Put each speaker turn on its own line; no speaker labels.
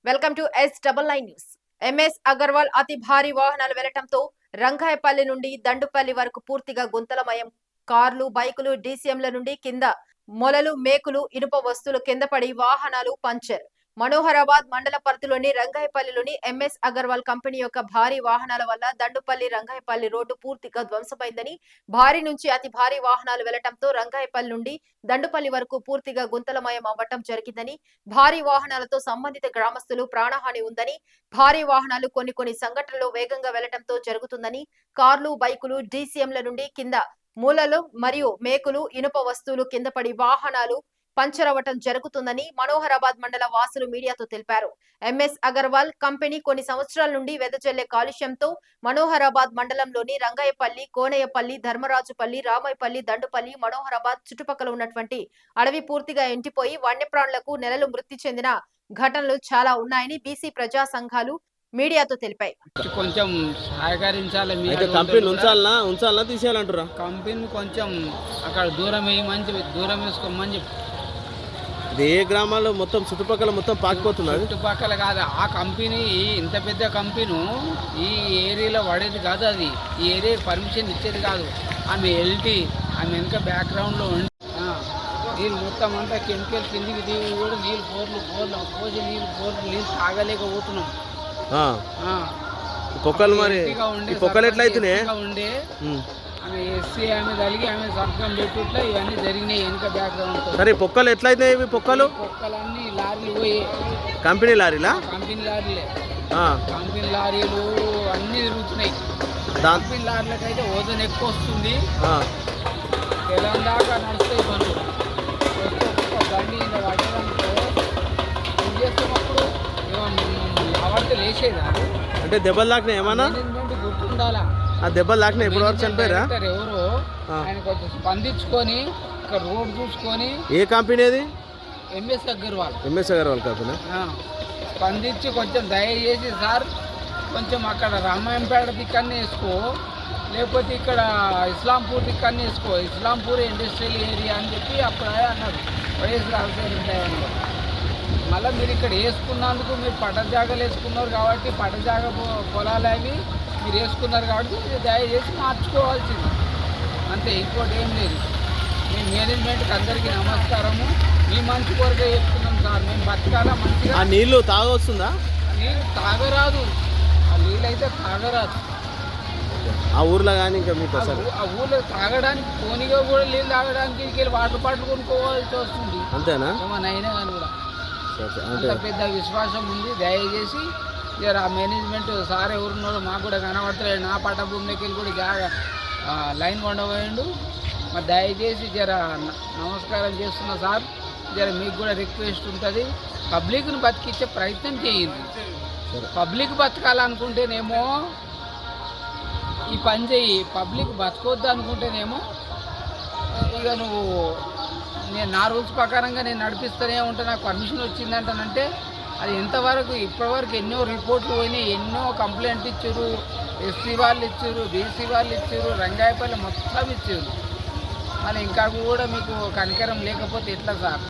Welcome to S99 news. MS Agarwal అతి భారీ వాహనాలు వెళ్లటంతో రంగాయపల్లి నుండి దండుపల్లి వరకు పూర్తిగా గుంతలమయం. కార్లు, బైకులు, డీసీఎంల నుండి కింద మొలలు, మేకులు, ఇనుప వస్తువులు కింద పడి వాహనాలు పంచర్. మనోహరాబాద్ మండల పరిధిలోని రంగాయపల్లిలోని ఎంఎస్ అగర్వాల్ కంపెనీ యొక్క భారీ వాహనాల వల్ల దండుపల్లి రంగాయపల్లి రోడ్డు పూర్తిగా ధ్వంసమైందని, భారీ నుంచి అతి భారీ వాహనాలు వెళ్లటంతో రంగాయపల్లి నుండి దండుపల్లి వరకు పూర్తిగా గుంతలమయం అవ్వటం జరిగిందని, భారీ వాహనాలతో సంబంధిత గ్రామస్తులు ప్రాణహాని ఉందని, భారీ వాహనాలు కొన్ని సంఘటనలు వేగంగా వెళ్లటంతో జరుగుతుందని, కార్లు, బైకులు, డీసీఎంల నుండి కింద మూలలు మరియు మేకులు, ఇనుప వస్తువులు కింద పడి వాహనాలు పంచర్ అవ్వటం జరుగుతుందని మనోహరాబాద్ మండల వాసులు మీడియాతో తెలిపారు. ఎంఎస్ అగర్వాల్ కంపెనీ కొన్ని సంవత్సరాల నుండి వెదజల్లే కాలుష్యంతో మనోహరాబాద్ మండలంలోని రంగాయపల్లి, కోనయ్యపల్లి, ధర్మరాజుపల్లి, రామాయపల్లి, దండుపల్లి, మనోహరాబాద్ చుట్టుపక్కల ఉన్నటువంటి అడవి పూర్తిగా ఎండిపోయి వన్యప్రాణులకు నెలలు మృతి చెందిన ఘటనలు చాలా ఉన్నాయని బీసీ ప్రజా సంఘాలు మీడియాతో తెలిపాయి.
కొంచెం సహకరించాలి.
కంపెనీ ఉంచాలనా తీసేయాలంటారా?
కంపెనీ కొంచెం అక్కడ దూరం వేసుకోమని చెప్పి.
ఇది ఏ గ్రామాల్లో మొత్తం చుట్టుపక్కల మొత్తం పాకిపోతున్నారు.
చుట్టుపక్కల కాదు ఆ కంపెనీ, ఇంత పెద్ద కంపెనీ ఈ ఏరియాలో పడేది కాదు. అది ఈ ఏరియాకి పర్మిషన్ ఇచ్చేది కాదు. ఆమె ఆమె వెనుక బ్యాక్గ్రౌండ్లో ఉండి నీళ్ళు మొత్తం అంతా కెమికల్ కిందికి దిగి కూడా నీళ్ళు పోసి నీళ్ళు తాగలేకపోతున్నాం.
పొక్కలు మరి పొక్కలు ఎట్లయితున్నాయి
ఉండే ఆమె ఎస్సీ ఆమె తలిగి ఆమె సంతకం పెట్టుట్లా ఇవన్నీ జరిగినాయి వెనుక బ్యాక్గ్రౌండ్.
సరే పొక్కలు ఎట్లయితున్నాయి? ఇవి
పొక్కలన్నీ లారీలు పోయి
కంపెనీ లారీలా?
కంపెనీ లారీలు అన్నీ తిరుగుతున్నాయి. కంపెనీ లారీలకు అయితే ఓజన్ ఎక్కువ వస్తుంది. తెలంగాణ దాకా నడుస్తాయి పనులు. బండి పట్టడంతో ఏం చేస్తున్నప్పుడు అవడితే లేచేది.
అంటే దెబ్బలు తాకినా ఏమన్నా
గుర్తుండాలా?
ఆ దెబ్బలు తాకినా ఎప్పుడు వరకు చనిపోయారా?
ఎవరు ఆయన కొంచెం స్పందించుకొని ఇక్కడ రోడ్ చూసుకొని.
ఏ కంపెనీ అది?
MS Agarwal
company.
స్పందించి కొంచెం దయచేసి సార్ కొంచెం అక్కడ రామాయంపేట దిక్కన్ని వేసుకో, లేకపోతే ఇక్కడ ఇస్లాంపూర్ దిక్కన్ని వేసుకో. ఇస్లాంపూర్ ఇండస్ట్రియల్ ఏరియా అని చెప్పి అప్పుడు అన్నారు వైఎస్ రాజశేఖర. మళ్ళీ మీరు ఇక్కడ వేసుకున్నందుకు మీరు పట్ట జాగాలు వేసుకున్నారు కాబట్టి పట్ట జాగా పొలాలు అవి మీరు వేసుకున్నారు కాబట్టి మీరు దయచేసి మార్చుకోవాల్సింది అంతే, ఇంకోటి ఏం లేదు. మీ మేనేజ్మెంట్కి అందరికీ నమస్కారము. మీ మంచి కొరకే చెప్తున్నాం సార్. మేము బతకాలా మంచిగా.
ఆ నీళ్ళు తాగొస్తుందా?
నీళ్ళు తాగరాదు. ఆ నీళ్ళు అయితే తాగరాదు
ఆ ఊర్లో కానీ. ఇంకా మీకు
ఆ ఊర్లో తాగడానికి పోనీగా కూడా నీళ్ళు తాగడానికి వాటర్ బాటిల్ కొనుక్కోవాల్సి వస్తుంది.
అంతేనా?
ఏమన్నా అయినా కానీ కూడా అంత పెద్ద విశ్వాసం ఉంది. దయచేసి జర ఆ మేనేజ్మెంట్ సార్ ఎవరున్నారో మాకు కూడా కనబడతలేదు. నా పట్ట భూమిలోకి వెళ్ళి కూడా జాగా లైన్ కొండపోయిండు. మరి దయచేసి జర నమస్కారం చేస్తున్నా సార్. జర మీకు కూడా రిక్వెస్ట్ ఉంటుంది, పబ్లిక్ను బతికించే ప్రయత్నం చేయండి. పబ్లిక్ బతకాలనుకుంటేనేమో ఈ పని చెయ్యి, పబ్లిక్ బతకొద్దు అనుకుంటేనేమో ఇక నువ్వు నేను నా రూల్స్ ప్రకారంగా నేను నడిపిస్తూనే ఉంటా. నాకు పర్మిషన్ వచ్చిందంటానంటే అది ఎంతవరకు ఇప్పటివరకు ఎన్నో రిపోర్ట్లు పోయినాయి, ఎన్నో కంప్లైంట్ ఇచ్చారు. ఎస్సీ వాళ్ళు ఇచ్చారు, బీసీ వాళ్ళు ఇచ్చారు, రంగాయపల్లి మొత్తం ఇచ్చారు. మరి ఇంకా కూడా మీకు కనికరం లేకపోతే ఎట్లా సార్?